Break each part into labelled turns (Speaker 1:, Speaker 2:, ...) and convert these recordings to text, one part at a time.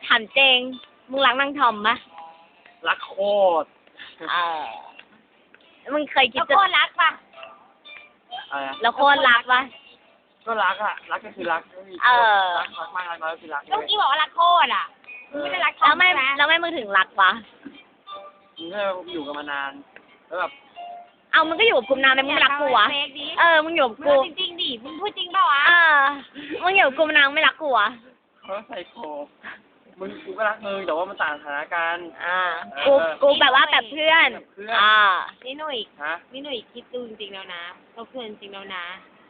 Speaker 1: ถามเจงมึงรักนางทอมปะ
Speaker 2: รักโคตร
Speaker 1: เออมึงเคยคิด
Speaker 3: แล้ว
Speaker 1: จะ
Speaker 3: โคตรรักปะ
Speaker 2: อะไรนะ
Speaker 1: แล้วโคตรรักปะ
Speaker 2: ก็รักอะรักก็คือรักไม่มี
Speaker 1: เออ
Speaker 2: รักมากรักน้อยก็คือรัก
Speaker 3: ก็เมื่อกี้บอกว่ารักโคตรอ่ะมึงไม่ได้รักทอ
Speaker 1: แล้ว
Speaker 3: ม
Speaker 1: ไม่
Speaker 3: ใช่ไหม
Speaker 1: แล้วไม่มึงถึงรักวะ
Speaker 2: มึงก็อยู่กันมานานแล้วแบบ
Speaker 1: เอามึงก็อยู่กับกูนานเลยมึงไม่รักกูวะ
Speaker 3: เฟกดิ
Speaker 1: เออมึงอยู่กับ
Speaker 3: มึง
Speaker 1: กู
Speaker 3: เอาจริงๆดิมึงพูดจริงเปล่าวะ
Speaker 1: เออมึงอยู่กับกูนานไม่รักกูวะ
Speaker 2: เขาไซโคกูก็รักมึงแต่ว่ามันต่างสถานการณ์
Speaker 1: อ่ากูแบบว่าแบบเพื่อน
Speaker 2: แบบเพื่อน
Speaker 1: อ่า
Speaker 3: นี่หนุ่ย
Speaker 2: ฮะ
Speaker 3: นี่หนุ่ยคิดดูจริงๆแล้วนะเขาเพื่อนจริงแล้วนะ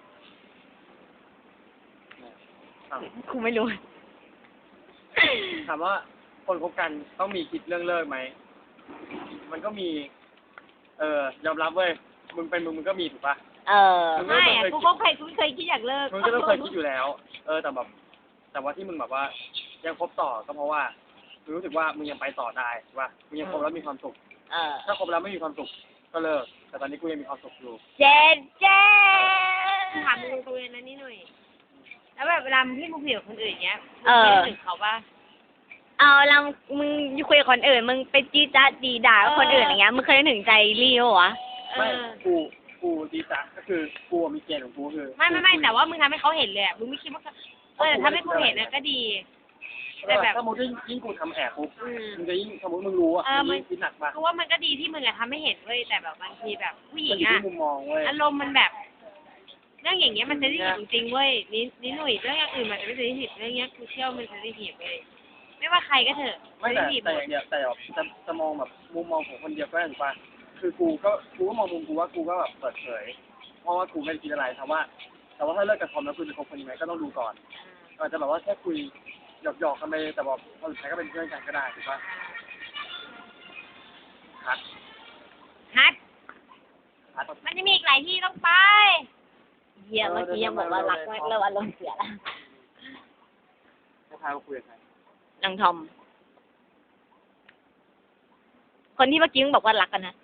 Speaker 2: อ้าว
Speaker 1: กูไม่รู้
Speaker 2: ถามว่าคนคบกันต้องมีคิดเรื่องเลิกไหมมันก็มี ยอมรับเว้ยมึงเป็นมึงก็มีถูกปะ
Speaker 1: เออ
Speaker 3: ไม่อะกูก็เคยคิดอยากเลิก
Speaker 2: มึงก็ต้องเคยคิดอยู่แล้ว แต่แบบแต่ว่าที่มึงแบบว่า ยังคบต่อก็เพราะว่ามึงรู้สึกว่ามึงยังไปต่อได้ถูกปะมึงยังคบแล้วมีความสุข
Speaker 1: เออ
Speaker 2: ถ้าคบแล้วไม่มีความสุขก็เลิก แต่ตอนนี้กูยังมีความสุขอยู่
Speaker 1: เจ๊เจ๊
Speaker 3: ถามมึงตรงๆนะนี่หนุ่ยแล้วแบบเวลามึงที่มึงคุยกับคนอื่นเงี้ย
Speaker 1: เออ
Speaker 3: มึงไม่นึกถึงเขาปะ
Speaker 1: เอาแล้วมึงคุยกับคนอื่น มึงไปจี้จ้าดีด่ากับคนอื่นอย่างเงี้ย มึงเคยนึกถึงใจรีววะ
Speaker 2: ไม่กูดีจ้ะก็คือกูมีเกณฑ์ของกูคือ
Speaker 3: ไม่แต่ว่ามึงทำให้เขาเห็นเลยอะมึงไม่คิดว่าทำให้กูเห็นนะก็ดี แต่แบบ
Speaker 2: ถ้ามึงยิ่งกูทำแอบปุ๊บ
Speaker 3: อืม
Speaker 2: มึงจะยิ่งสมมติมึงรู้อ่ะ
Speaker 3: มึ
Speaker 2: มึ
Speaker 3: ง
Speaker 2: งยิ่งคิดหนักมาก
Speaker 3: กูว่ามันก็ดีที่มึงอะทำให้เห็นเว้ยแต่แบบบางทีแบบผู้หญิ
Speaker 2: มัน
Speaker 3: ง
Speaker 2: อยู่
Speaker 3: อะ
Speaker 2: ที่มุมมองเว้ย
Speaker 3: อารมณ์มันแบบ เรื่องอย่างเงี้ยมันเซนซิทีฟจริงๆเว้ยนี่หนุ่ยเรื่องอย่างอื่นมันจะไม่เซนซิทีฟเรื่องเงี้ยกูเชื่อว่ามันเซนซิทีฟเว้ยไม่ว่าใครก็เถอะ
Speaker 2: ไม่
Speaker 3: เซน
Speaker 2: แต่
Speaker 3: ซิทีฟห
Speaker 2: แต่
Speaker 3: ม
Speaker 2: อ
Speaker 3: ด
Speaker 2: ย่างเดียวแต่แบบจะมองแบบมุมมองของคนเดียวก็ได้ถูกป่ะคือกูก็มองมุมกูว่ากูก็แบบเปิดเผยเพราะว่ากูไม่ได้คิดอะไรแต่ว่าถ้าเลิกกับทอมแล้วคุณจะคบคนนี้ไหมก็ต้องดูก่อนอาจจะแบบว่าแค่คุยหยอกกันไปแต่บอกพอสุดท้ายก็เป็นเพื่อนกันก็ได้ถูกป่ะฮัท
Speaker 3: ฮัท
Speaker 2: ฮัท
Speaker 3: มันจะมีอีกหลายที่ต้องไป
Speaker 1: เยี่ยเมื่อกี้ยังบอกว่ารักมากเริ่มอารมณ์เสียแล้ว
Speaker 2: ให้พาเขาคุยกับใคร
Speaker 1: นางทอม คนที่เมื่อกี้มึงบอกว่ารักกันนะ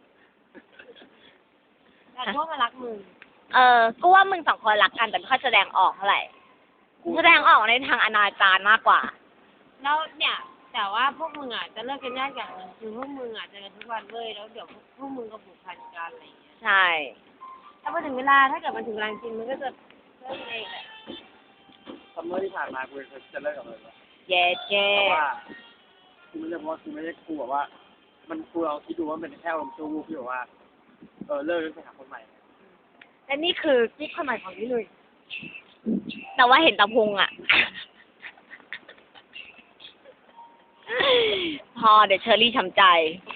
Speaker 3: แต่พวกมันรักมึง
Speaker 1: กูว่ามึงสองคนรักกันแต่ไม่ค่อยแสดงออกเท่าไหร่แสดงออกในทางอนาจารมากกว่า
Speaker 3: แล้วเนี่ย แต่ว่าพวกมึงอ่ะจะเลิกกันยากอย่างหนึงคือพวกมึงอ่ะเจอกันทุกวันเว้ยแล้วเดี๋ยวพวกมึงก็ผูกพันกันอะไรอย่างเงี้ย
Speaker 1: ใช่
Speaker 3: ถ้าพอถึงเวลาถ้าเกิดมันถึงเวลาจริงมันก็จะเลิกเองแหละ
Speaker 2: ซัมเมอร์ที่ผ่านมากูจะเลิกกับมันแล้ว
Speaker 1: เย้เจ๊
Speaker 2: เพราะว่ากูไม่ใช่เพราะว่ากูไม่ได้กูแบบว่า มันกูเราคิดดูว่ามันเป็นแค่อารมณ์ชั่ววูบที่แบบว่าเลิกแล้วไปหาคนใหม่
Speaker 1: และนี่คือกิ๊กคนใหม่ของนี่เลย แต่ว่าเห็นตะพุงอ่ะ พอเดี๋ยวเชอรี่ช้ำใจ